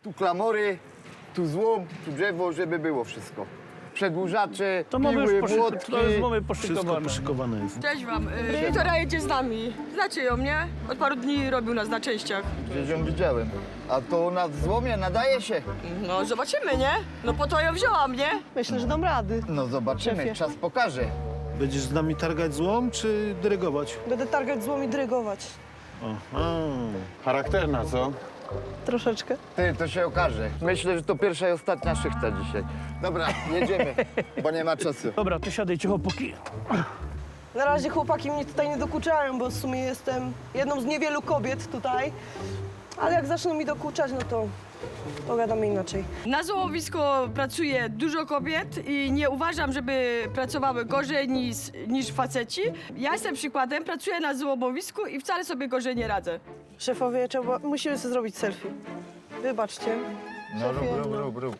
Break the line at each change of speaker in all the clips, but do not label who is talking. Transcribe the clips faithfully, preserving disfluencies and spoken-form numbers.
Tu klamory, tu złom, tu drzewo, żeby było wszystko. Przedłużacze,
To mamy
piły,
już poszyk...
młotki.
to jest mamy
Wszystko
poszykowane.
poszykowane jest.
Cześć wam. Y, Wiktoria jedzie z nami. Znacie ją, nie? Od paru dni robił nas na częściach.
Przecież ją widziałem. A to na złomie nadaje się.
No zobaczymy, nie? No po to ją wzięłam, nie?
Myślę, że dam rady.
No zobaczymy,
Szefie.
czas pokaże.
Będziesz z nami targać złom, czy dyrygować?
Będę targać złom i dyrygować.
Aha.
Charakterna, co?
Troszeczkę.
Ty, to się okaże. Myślę, że to pierwsza i ostatnia szychta dzisiaj. Dobra, jedziemy, bo nie ma czasu.
Dobra, to siadajcie chłopaki.
Na razie chłopaki mnie tutaj nie dokuczają, bo w sumie jestem jedną z niewielu kobiet tutaj. Ale jak zaczną mi dokuczać, no to pogadamy inaczej.
Na złomowisku pracuje dużo kobiet i nie uważam, żeby pracowały gorzej niż, niż faceci. Ja jestem przykładem, pracuję na złomowisku i wcale sobie gorzej nie radzę.
Szefowie, trzeba, musimy sobie zrobić selfie. Wybaczcie.
No rób,
Szefie,
rób,
no.
rób, rób.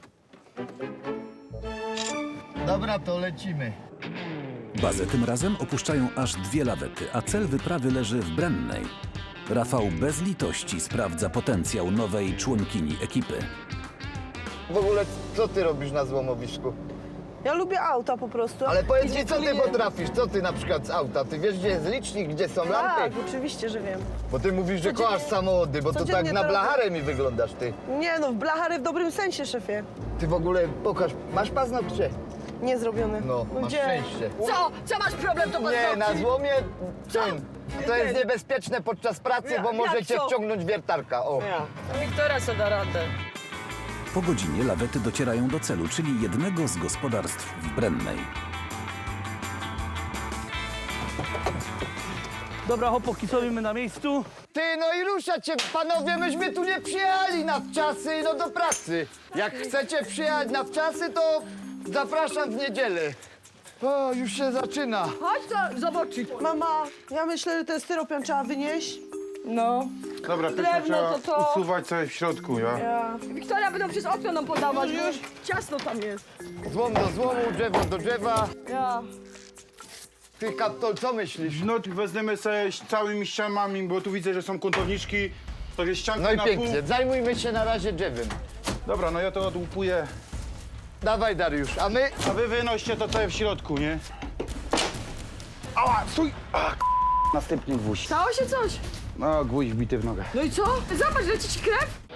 Dobra, to lecimy.
Bazę tym razem opuszczają aż dwie lawety, a cel wyprawy leży w Brennej. Rafał bez litości sprawdza potencjał nowej członkini ekipy.
W ogóle, co ty robisz na złomowisku?
Ja lubię auta po prostu.
Ale powiedz
I
mi, co ty
klient-
potrafisz? Co ty na przykład z auta? Ty wiesz, gdzie jest licznik, gdzie są lampy?
Tak, oczywiście, że wiem.
Bo ty mówisz, że
Codziennie-
kochasz samochody, bo to
codziennie
tak na
to
blacharę mi wyglądasz, ty.
Nie no, w blachary w dobrym sensie, szefie.
Ty w ogóle, pokaż, masz paznokcie?
Nie zrobione.
No, masz
gdzie?
szczęście.
Co? Co masz problem, to
Nie, na złomie, ten, to jest niebezpieczne podczas pracy,
Ja-
bo
jak
możecie
co?
wciągnąć wiertarka, o.
Wiktoria co da radę.
Po godzinie lawety docierają do celu, czyli jednego z gospodarstw w Brennej.
Dobra, chłopaki, stoimy na miejscu.
Ty, no i ruszać się, panowie, myśmy tu nie przyjechali na wczasy, no do pracy. Jak chcecie przyjechać na wczasy, to zapraszam w niedzielę. O, już się zaczyna.
Chodź to zobaczyć.
Mama, ja myślę, że ten styropian trzeba wynieść.
No.
Dobra, pierwsze
Drewno
trzeba
to to.
usuwać coś w środku, ja?
Ja. Wiktoria będą przez okno nam podawać, już ciasno tam jest.
Złom do złomu, drzewo do drzewa.
Ja.
Ty, Kaptol, co myślisz?
No, wezmę sobie z całymi ścianami, bo tu widzę, że są kątowniczki. To jest ścianka
No i
na
pięknie,
pół.
zajmujmy się na razie drzewem.
Dobra, no ja to odłupuję.
Dawaj, Dariusz, a my...
A wy wynoście to całe w środku, nie? Ała, stój! A, k***, następny gwóźdź.
Stało się coś.
No, gwóźdź wbity w nogę.
No i co? Zobacz, leci ci krew.